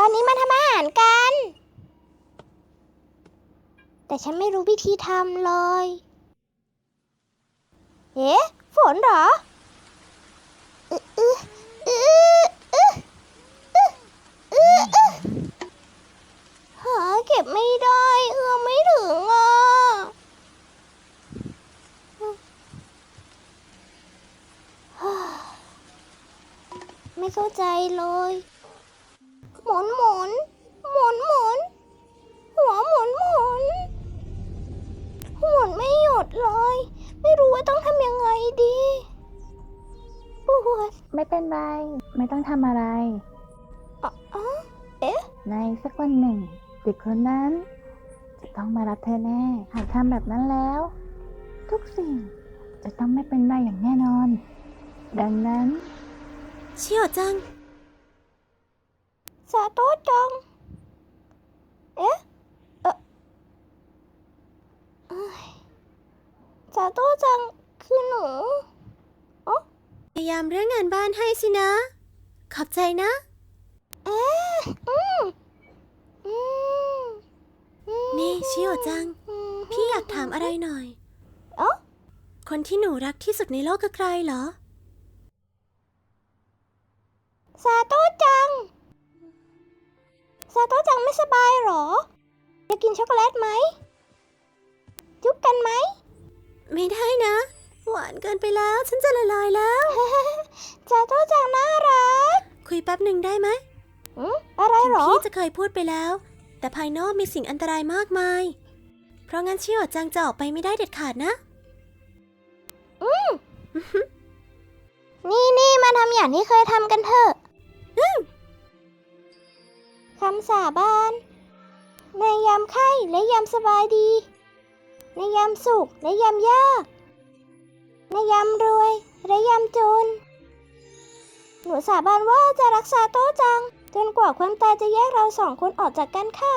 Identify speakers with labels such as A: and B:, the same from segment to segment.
A: วันนี้มาทำอาหารกัน แต่ฉันไม่รู้วิธีทำเลยเอ๊ะฝนเหรอหาเก็บไม่ได้ไม่ถึงอ่ะไม่เข้าใจเลยหมุนหมุนหมุนหมุนหัวหมุนหมุนหมุนไม่หยุดเลยไม่รู้ว่าต้องทำยังไงดีปวด
B: ไม่เป็นไร ไม่ต้องทำอะไร
A: เอ๊ะ
B: ในสักวันหนึ่งเด็กคนนั้นจะต้องมารับเธอแน่ หากทำแบบนั้นแล้ว ทุกสิ่งจะต้องไม่เป็นไรอย่างแน่นอน ดังนั้น
C: เชี่ยวจัง
A: ซาโต้จังเอ๊ะซาโต้จังคือหนู
C: พยายามเรื่องงานบ้านให้สินะ ขอบใจนะ นี่เชี่ยวจัง พี่อยากถามอะไรหน่อย คนที่หนูรักที่สุดในโลกคือใครเหรอ
A: ซาโต้จังไม่สบายหรอจะกินช็อกโกแลตไหมจุ๊บกันไหม
C: ไม่ได้นะ หวานเกินไปแล้ว ฉันจะละลายแล้ว
A: ซาโต้จังน่ารัก
C: คุยแป๊บหนึ่งได้ไหม
A: อะไรหรอ
C: พี่จะเคยพูดไปแล้ว แต่ภายนอกมีสิ่งอันตรายมากมาย เพราะงั้นเชี่ยวจังจะออกไปไม่ได้เด็ดขาดนะ
A: นี่มาทำอย่างที่เคยทำกันเถอะคำสาบานในยามไข้และยามสบายดี ในยามสุขและยามยาก ในยามรวยและยามจน หนูสาบานว่าจะรักษาโต้จังจนกว่าความตายจะแยกเราสองคนออกจากกันค่ะ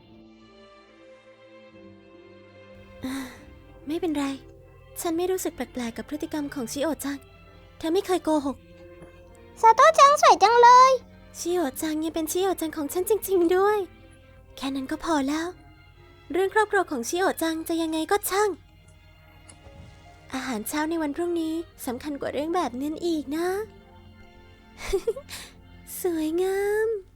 C: ไม่เป็นไร ฉันไม่รู้สึกแปลกๆกับพฤติกรรมของชิโอจัง เธอไม่เคยโกหก
A: ซาโต้จังสวยจังเลย
C: ชิโอจังยังเป็นชิโอจังของฉันจริงๆด้วย แค่นั้นก็พอแล้ว เรื่องครอบครัวของชิโอจังจะยังไงก็ช่าง อาหารเช้าในวันพรุ่งนี้สำคัญกว่าเรื่องแบบนั้นอีกนะ สวยงาม